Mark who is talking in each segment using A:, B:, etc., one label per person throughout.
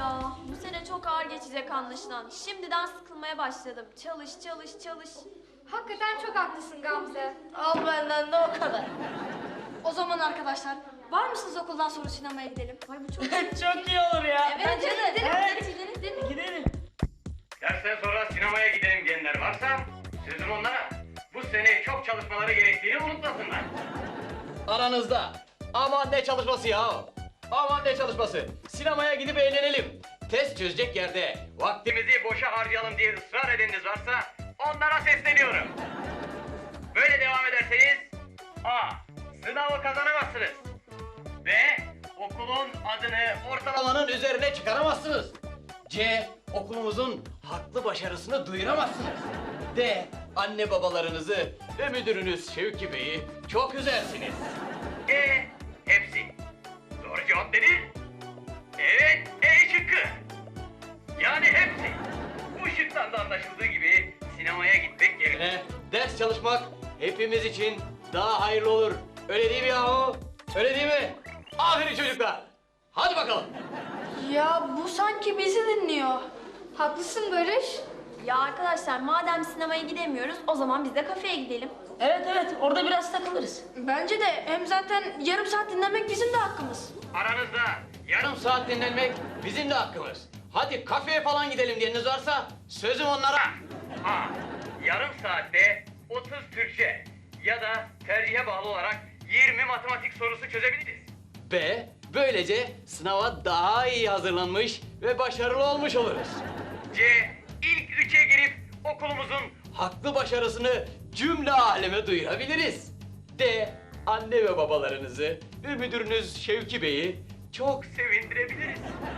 A: ya. Bu sene çok ağır geçecek anlaşılan. Şimdiden sıkılmaya başladım. Çalış, çalış, çalış.
B: Hakikaten çok haklısın Gamze.
C: Al benden de o kadar. O zaman arkadaşlar, var mısınız okuldan sonra sinemaya gidelim?
A: Ay bu çok
D: Çok iyi olur ya.
A: Evet, gidelim,
D: Evet.
A: gidelim.
D: Gidelim.
E: Dersten sonra sinemaya gidelim diyenler varsa sözüm onlara. Bu sene çok çalışmaları gerektiğini unutmasınlar.
F: Aranızda. Aman ne çalışması ya? Aman ne çalışması? Sinemaya gidip eğlenelim. Test çözecek yerde
E: Vaktimizi boşa harcayalım diye ısrar edeniniz varsa onlara sesleniyorum. Böyle devam ederseniz A. Sınavı kazanamazsınız. B. Okulun adını
F: ortalamanın üzerine çıkaramazsınız. C. Okulumuzun haklı başarısını duyuramazsınız. D. Anne babalarınızı ve müdürünüz Şevki Bey'i çok üzersiniz.
E: E. Hepsi. Doğru cevap nedir? Evet, E şıkkı. Yani hepsi. Bu şıktan da anlaşıldığı gibi sinemaya gitmek yerine
F: Ders çalışmak hepimiz için daha hayırlı olur. Öyle değil mi yahu? Öyle değil mi? Aferin çocuklar. Hadi bakalım.
C: Ya bu sanki bizi dinliyor.
B: Haklısın Barış.
A: Ya arkadaşlar madem sinemaya gidemiyoruz o zaman biz de kafeye gidelim.
D: Evet, orada biraz takılırız.
C: Bence de hem zaten yarım saat dinlemek bizim de hakkımız.
E: aranızda
F: Yarım saat dinlenmek bizim de hakkımız. Hadi kafeye falan gidelim diyeniniz varsa sözüm onlara.
E: A. Yarım saatte 30 Türkçe ya da tercihe bağlı olarak 20 matematik sorusu çözebiliriz.
F: B. Böylece sınava daha iyi hazırlanmış ve başarılı olmuş oluruz.
E: C. İlk 3'e girip okulumuzun
F: Haklı başarısını cümle aleme duyurabiliriz. D. Anne ve babalarınızı ve müdürünüz Şevki Bey'i çok
E: sevindirebiliriz.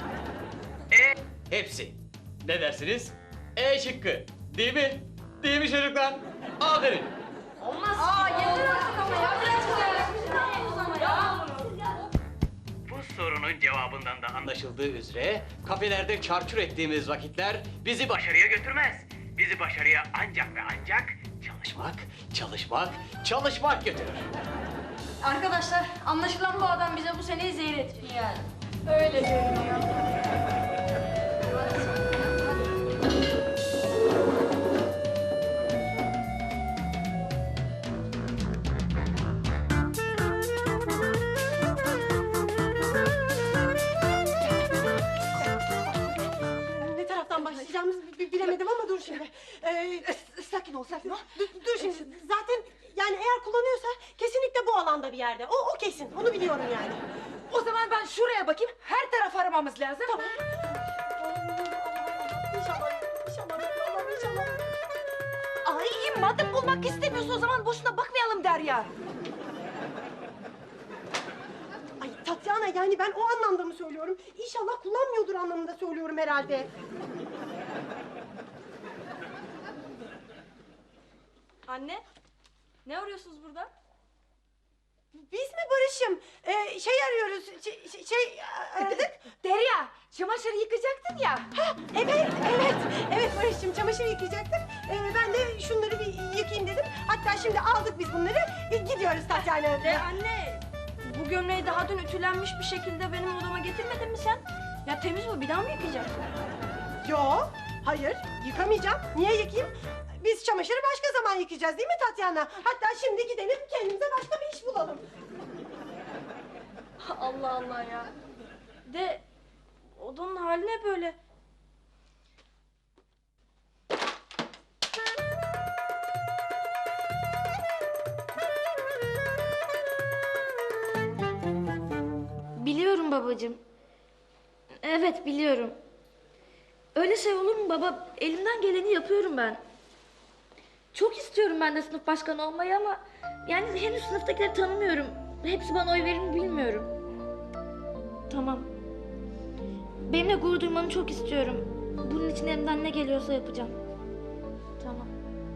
F: hepsi. Ne dersiniz? E şıkkı. Değil mi? Değil mi çocuklar? Aferin.
C: Aa yeter artık ama ya.
E: Bu sorunun cevabından da
F: Anlaşıldığı üzere kafelerde çarçur ettiğimiz vakitler bizi
E: başarıya götürmez. Bizi başarıya ancak ve ancak
F: çalışmak götürür.
C: Arkadaşlar anlaşılan bu adam bize bu seneyi zehir ettiriyor.
D: Yani.
C: Öyle görünüyor.
G: Ne taraftan başlayacağımızı bilemedim ama dur şimdi. Sakin ol, sakin ol. Dur şimdi. Zaten yani eğer kullanıyorsa kesinlikle bu alanda bir yerde. O kesin. Onu biliyorum yani.
H: O zaman ben şuraya bakayım. Her taraf aramamız lazım.
G: Tamam. İnşallah, inşallah, inşallah.
H: Ay madem bulmak istemiyorsun o zaman boşuna bakmayalım Derya.
G: Ay Tatyana yani ben o anlamda mı söylüyorum? İnşallah kullanmıyordur anlamında söylüyorum herhalde.
A: Anne, ne arıyorsunuz burada?
G: Biz mi Barış'ım? Şey arıyoruz, aradık.
H: Derya çamaşırı yıkacaktın ya.
G: Evet Barış'cığım çamaşır yıkayacaktık. Ben de şunları bir yıkayayım dedim. Hatta şimdi aldık biz bunları. Gidiyoruz Tatyana.
C: Anne, bu gömleği daha dün ütülenmiş bir şekilde benim odama getirmedin mi sen? Ya temiz bu, bir daha mı yıkayacaksın?
G: Yo, hayır yıkamayacağım. Niye yıkayayım? Biz çamaşırı başka zaman yıkayacağız değil mi Tatyana? Hatta şimdi gidelim kendimize başka bir iş bulalım.
C: Allah Allah ya. De odanın hali ne böyle? Biliyorum babacığım. Evet biliyorum. Öyle şey olur mu baba? Elimden geleni yapıyorum ben. Çok istiyorum ben de sınıf başkanı olmayı ama yani henüz sınıftakileri tanımıyorum. Hepsi bana oy verir mi bilmiyorum. Tamam. Benimle gurur duymanı çok istiyorum. Bunun için elimden ne geliyorsa yapacağım. Tamam.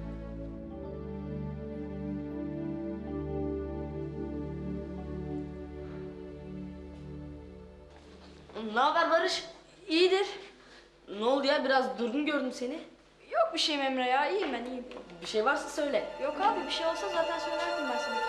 D: Ne haber Barış?
C: İyidir.
D: Ne oldu ya? Biraz durgun gördüm seni.
C: Yok bir şeyim Emre ya. İyiyim ben iyiyim.
D: Bir şey varsa söyle.
C: Yok abi bir şey olsa zaten söylerdim ben sana.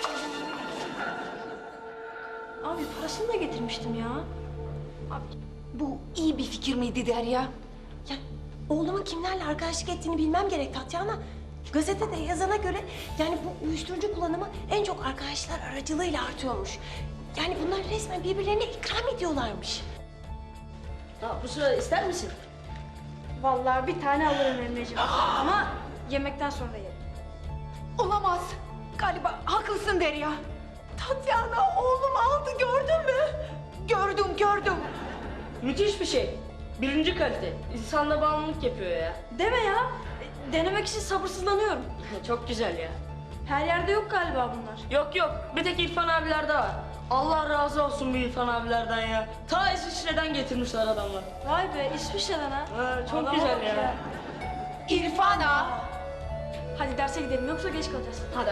C: Abi parasını da getirmiştim ya. Abi
H: Bu iyi bir fikir miydi Derya?
G: Ya oğlumun kimlerle arkadaşlık ettiğini bilmem gerek Tatyana. Gazetede yazana göre yani bu uyuşturucu kullanımı en çok arkadaşlar aracılığıyla artıyormuş. Yani bunlar resmen birbirlerine ikram ediyorlarmış.
D: Ha, bu sırada ister misin?
B: Vallahi bir tane alırım Emre'ciğim. Ama yemekten sonra yerim.
H: Olamaz. Galiba haklısın Derya.
G: Tatyana oğlum aldı gördün mü?
H: Gördüm.
D: Müthiş bir şey. Birinci kalite. İnsanla bağımlılık yapıyor ya.
B: Deme ya. Denemek için sabırsızlanıyorum.
D: Çok güzel ya.
B: Her yerde yok galiba bunlar.
D: Yok, bir tek İrfan abilerde var. Allah razı olsun bu İrfan abilerden ya. Ta İsviçre'den getirmişler adamlar.
B: Vay be İsviçre'den ha.
D: Ha, çok
B: Adam
D: güzel
B: bak
D: ya.
H: İrfana.
B: Hadi derse gidelim yoksa geç kalacağız.
D: Hadi.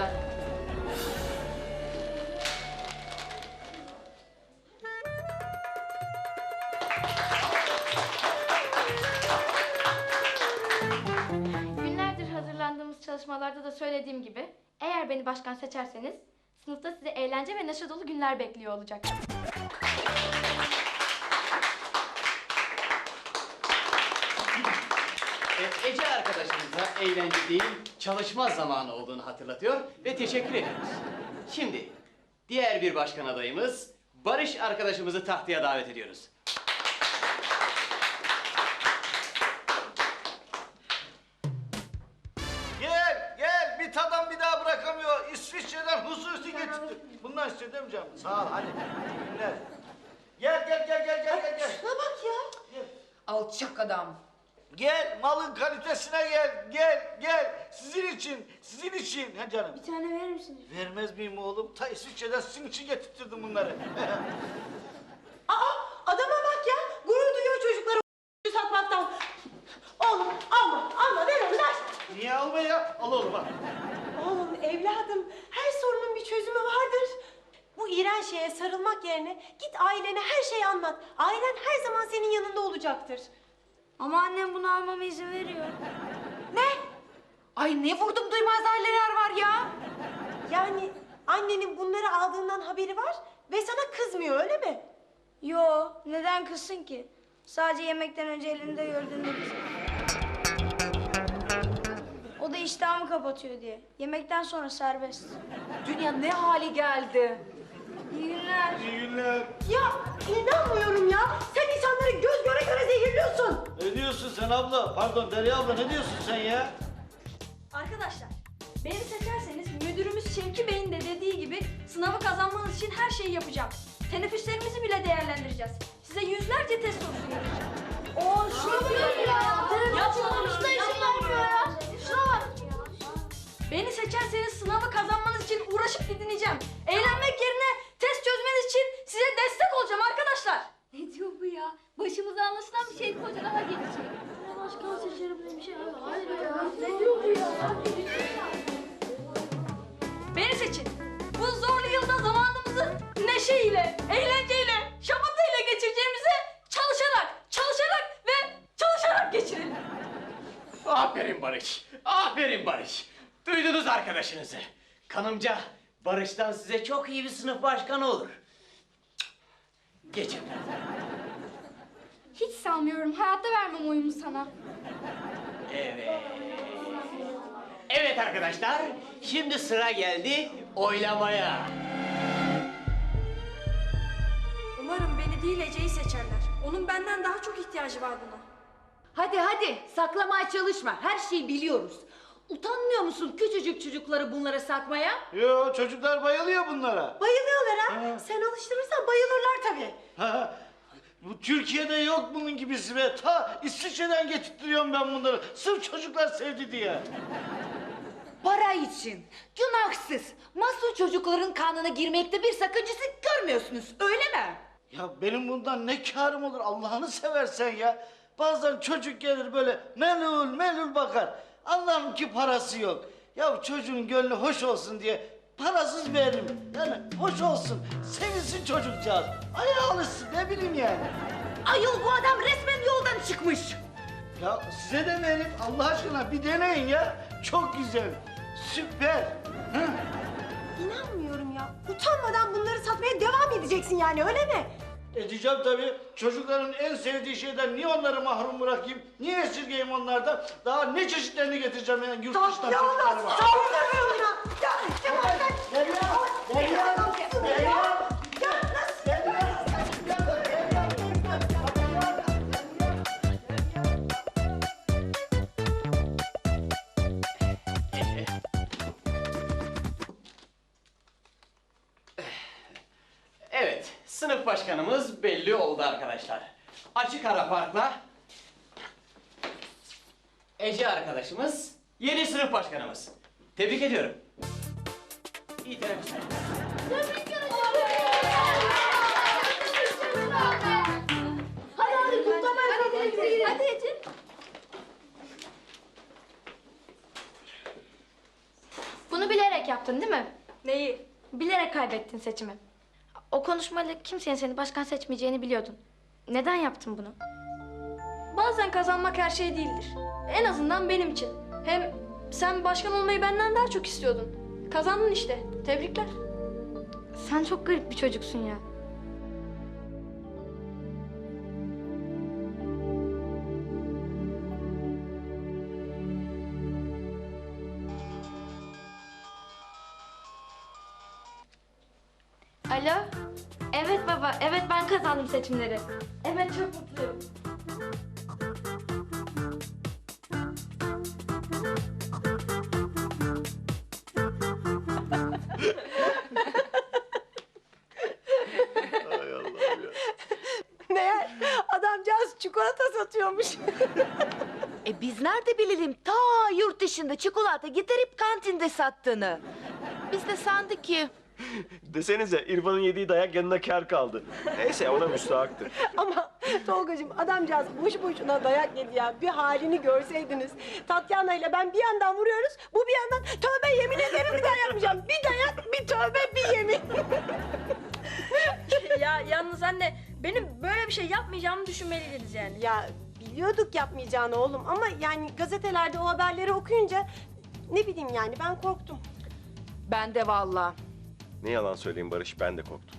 C: Günlerdir hazırlandığımız çalışmalarda da söylediğim gibi eğer beni başkan seçerseniz sınıfta sizi eğlence ve neşe dolu günler bekliyor olacak.
F: Ece arkadaşımıza eğlence değil, çalışma zamanı olduğunu hatırlatıyor ve teşekkür ediyoruz. Şimdi diğer bir başkan adayımız Barış arkadaşımızı tahtaya davet ediyoruz.
I: Gel, bir tadan bir daha bırakamıyor. İsviçre'den hususi getirdim. Bundan istiyor değil mi canım? Sağ ol, hadi. İyi günler. Gel.
G: Şuna bak ya.
H: Alçak adam.
I: Gel, malın kalitesine gel. Sizin için. Ha canım.
B: Bir tane verir misiniz?
I: Vermez miyim oğlum? Ta İsviçre'den sizin için getirttirdim bunları.
G: Aa adama bak ya. Gurur duyuyor çocukları satmaktan. Oğlum alma ver onu ver.
I: Niye alma ya? Al oğlum al.
G: Oğlum evladım her sorunun bir çözümü vardır. Bu iğrenç şeye sarılmak yerine git ailene her şeyi anlat. Ailen her zaman senin yanında olacaktır.
B: Ama annem bunu almama izin veriyor.
H: Ne? Ay ne vurdum duymaz aileler var ya.
G: Yani annenin bunları aldığından haberi var ve sana kızmıyor öyle mi?
B: Yo, neden kızsın ki? Sadece yemekten önce elinde gördüğünde kızıyor. O da iştahımı kapatıyor diye. Yemekten sonra serbest.
H: Dünya ne hale geldi.
B: İyi günler.
I: İyi günler.
G: Ya inanmıyorum ya. Sen insanları göz göre göre zehirliyorsun.
I: Ne diyorsun sen abla? Pardon Derya abla ne diyorsun sen ya?
B: Arkadaşlar, beni seçerseniz müdürümüz Şevki Bey'in de dediği gibi sınavı kazanmanız için her şeyi yapacağım. Teneffüslerimizi bile değerlendireceğiz. Size yüzlerce test sorusu vereceğim. Şuna bakın ya. Yapmamışlar işin vermiyor ya. Şuna bak. Beni seçerseniz sınavı kazanmanız için uğraşıp didineceğim. Eğlenmek yerine test çözmeniz için size destek olacağım arkadaşlar.
C: Ne diyor bu ya? Başımıza anlaşılan bir şey koca daha gelecek. Başkan seçerim diye bir şey var. Hayır ya. Ne diyor bu ya?
B: Beni seçin. Bu zorlu yılda zamanımızı neşeyle, eğlenceyle, şamatayla geçireceğimizi çalışarak ve çalışarak geçirelim.
F: Aferin Barış. Duydunuz arkadaşınızı. Kanımca Barış'tan size çok iyi bir sınıf başkanı olur. Geçin.
B: Hiç sanmıyorum. Hayatta vermem oyumu sana.
F: Evet arkadaşlar, şimdi sıra geldi oylamaya.
B: Umarım beni değil Ece'yi seçerler. Onun benden daha çok ihtiyacı var buna.
H: Hadi saklamaya çalışma. Her şeyi biliyoruz. Utanmıyor musun küçücük çocukları bunlara satmaya?
I: Yo çocuklar bayılıyor bunlara.
G: Bayılıyorlar ha. Sen alıştırırsan bayılırlar tabii.
I: Ha, bu Türkiye'de yok bunun gibisi be. Ta İsviçre'den getirtiyorum ben bunları. Sırf çocuklar sevdi diye.
H: Para için. Günahsız. Masum çocukların kanına girmekte bir sakıncası görmüyorsunuz. Öyle mi?
I: Ya benim bundan ne kârım olur Allah'ını seversen ya. Bazen çocuk gelir böyle melul bakar. Anlarım ki parası yok. Ya çocuğun gönlü hoş olsun diye parasız veririm. Yani hoş olsun, sevinsin çocukcağız. Ayağa alışsın ne bileyim yani.
H: Ayol bu adam resmen yoldan çıkmış.
I: Ya size de verin Allah aşkına bir deneyin ya. Çok güzel, süper. Hı?
G: İnanmıyorum ya. Utanmadan bunları satmaya devam edeceksin yani öyle mi?
I: Edeceğim tabii. Çocukların en sevdiği şeyden niye onları mahrum bırakayım? Niye esirgeyim onlardan? Daha ne çeşitlerini getireceğim yani yurt dışından çocuklarıma.
F: Evet, sınıf başkanımız belli oldu arkadaşlar. Açık ara farkla Ece arkadaşımız yeni sınıf başkanımız. Tebrik ediyorum. İyi teneffüsler.
A: Hadi kutlamaya. Hadi Ece.
C: Bunu bilerek yaptın değil mi?
B: Neyi?
C: Bilerek kaybettin seçimi. O konuşmayla kimsenin seni başkan seçmeyeceğini biliyordun. Neden yaptın bunu?
B: Bazen kazanmak her şey değildir. En azından benim için. Hem sen başkan olmayı benden daha çok istiyordun. Kazandın işte. Tebrikler.
C: Sen çok garip bir çocuksun ya. Alo? Evet baba, evet ben kazandım seçimleri. Evet çok mutluyum.
G: Meğer adamcağız çikolata satıyormuş.
H: Biz nerede bilelim ta yurt dışında çikolata getirip kantinde sattığını. Biz de sandık ki
J: Desenize İrfan'ın yediği dayak yanına kâr kaldı. Neyse ona müstahaktır.
G: Ama Tolgacığım adamcağız boş boşuna dayak yedi ya. Bir halini görseydiniz. Tatyana ile ben bir yandan vuruyoruz. Bu bir yandan tövbe yemin ederim bir daha yapmayacağım. Bir dayak, bir tövbe, bir yemin.
B: Ya yalnız anne benim böyle bir şey yapmayacağımı düşünmeliydiniz yani.
G: Ya biliyorduk yapmayacağını oğlum ama yani gazetelerde o haberleri okuyunca ne bileyim yani ben korktum.
H: ben de vallahi.
J: Ne yalan söyleyeyim Barış, ben de korktum.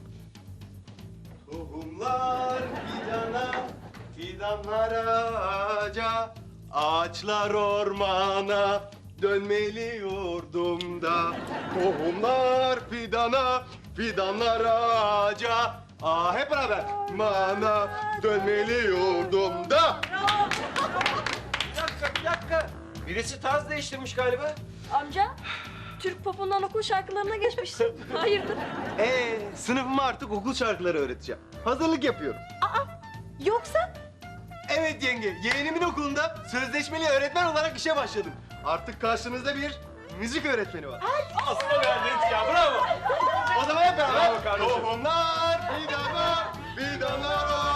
K: Tohumlar fidana, fidanlar ağaca, ağaçlar ormana, dönmeli yurdumda. Tohumlar fidana, fidanlar ağaca, hep beraber. Mana, dönmeli yurdumda.
J: Bir dakika. Birisi tarz değiştirmiş galiba.
B: Amca Türk popundan okul şarkılarına geçmişsin. Hayırdır?
K: Sınıfıma artık okul şarkıları öğreteceğim. Hazırlık yapıyorum.
G: Yoksa
K: Evet yenge, yeğenimin okulunda sözleşmeli öğretmen olarak işe başladım. Artık karşınızda bir müzik öğretmeni var.
J: Aslında verdiniz ya, bravo.
K: O zaman hep beraber.
J: Bravo kardeşim.
K: Tohumlar fidana, fidanlar